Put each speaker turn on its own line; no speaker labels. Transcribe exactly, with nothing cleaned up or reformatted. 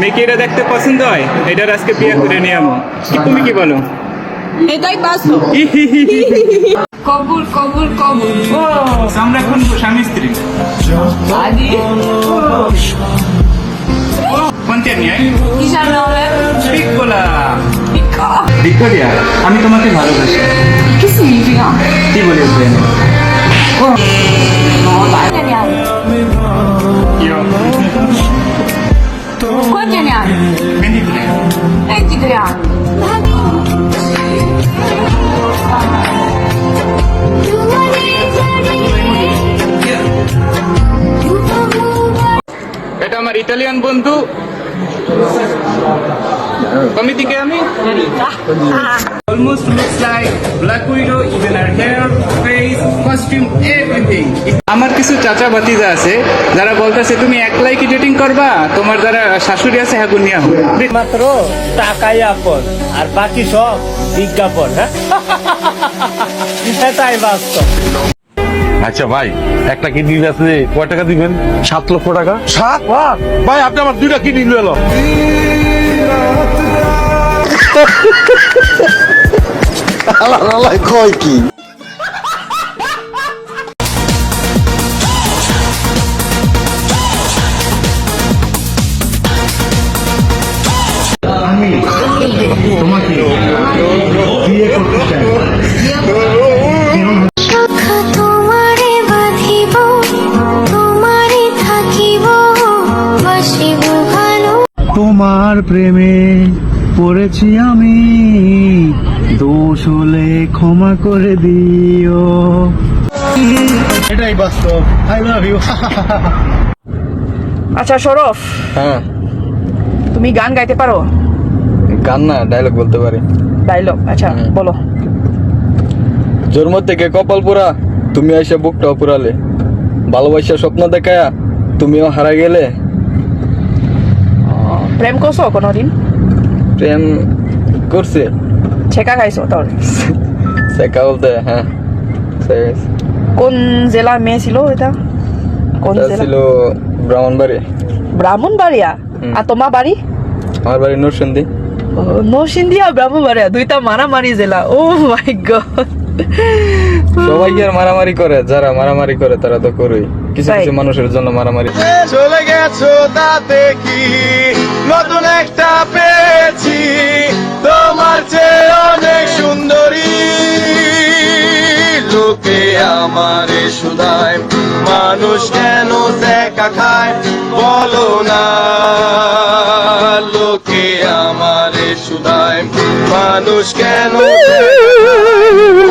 দেখি এটা দেখতে পছন্দ হয়, এটার আজকে বিয়ে করে নিয়ে আমো। কি তুমি কি বলো?
এটাই বাস্তব। কবুল কবুল কবুল।
ও আমরা এখন স্বামী স্ত্রী।
আদি
কোনটা নিয়ে?
কিসের নামে?
বিকলা।
বিকা।
ভিক্টোরিয়া, আমি তোমাকে ভালোবাসি।
কি significa?
কি বলে উঠবেন?
No, dai, ne hai. Quanti ne hai? ventitré anni.
এটা আমার ইটালিয়ান বন্ধু। কমিটিকে আমি almost looks like Black Widow, even her hair, face, costume, everything. আমার কিছু চাচা ভাতিজা আছে যারা বলতেছে তুমি একলাই কি ডেটিং করবা, তোমার যারা শাশুড়ি আছে হ্যাঁ গুনিয়া হবে।
মাত্র টাকাই আপন আর বাকি সব বিজ্ঞাপন। হ্যাঁ এটাই বাস্তব।
আচ্ছা ভাই, একটা কিডনি আছে কয় টাকা দিবেন? সাত লক্ষ টাকা। সাত লাখ? ভাই আপনি আমার দুইটা কিডনি নিয়ে এলো।
কয় কি
তোমাকে বিয়ে করতে চাই।
তোমারে বাঁধিব তোমারে থাকিব বাসিব ভালো।
তোমার প্রেমে পড়েছি আমি, দোষ হলে ক্ষমা করে দিও। এটাই বাস্তব। I love you.
আচ্ছা সরফ,
হ্যাঁ,
তুমি গান গাইতে পারো?
গান না, ডায়লগ বলতে পারি।
ডায়লগ? আচ্ছা বলো।
জন্ম থেকে কপাল পোড়া, তুমি আইসা বুকটাও পুরালে, ভালোবাসা স্বপ্ন দেখায়া তুমিও হারা গেলে।
প্রেম করছো কোনোদিন?
প্রেম করছে।
ছেকা খাইছো তাহলে?
সেকা বলতে হ্যাঁ,
কোন জেলা মেয়ে ছিল এটা? কোন জেলা
ছিল? ব্রাহ্মণবাড়ি।
ব্রাহ্মণবাড়িয়া? আর তোমার বাড়ি?
আমার বাড়ি নরসিংদী।
নরসিংদী আর ব্রাহ্মণবাড়িয়া দুইটা মারামারি জেলা। Oh my god.
সবাই কি আর মারামারি করে? যারা মারামারি করে তারা তো করেই, কিছু কিছু মানুষের জন্য মারামারি।
চলে গেছো তাতে কি, নতুন একটা পেয়েছি তোমার চেয়ে অনেক সুন্দরী। লোকে আমারে শুধায় মানুষ কেন দেখা খায়, বলো না। লোকে আমারে শুধায় মানুষ কেন দেখা খায়,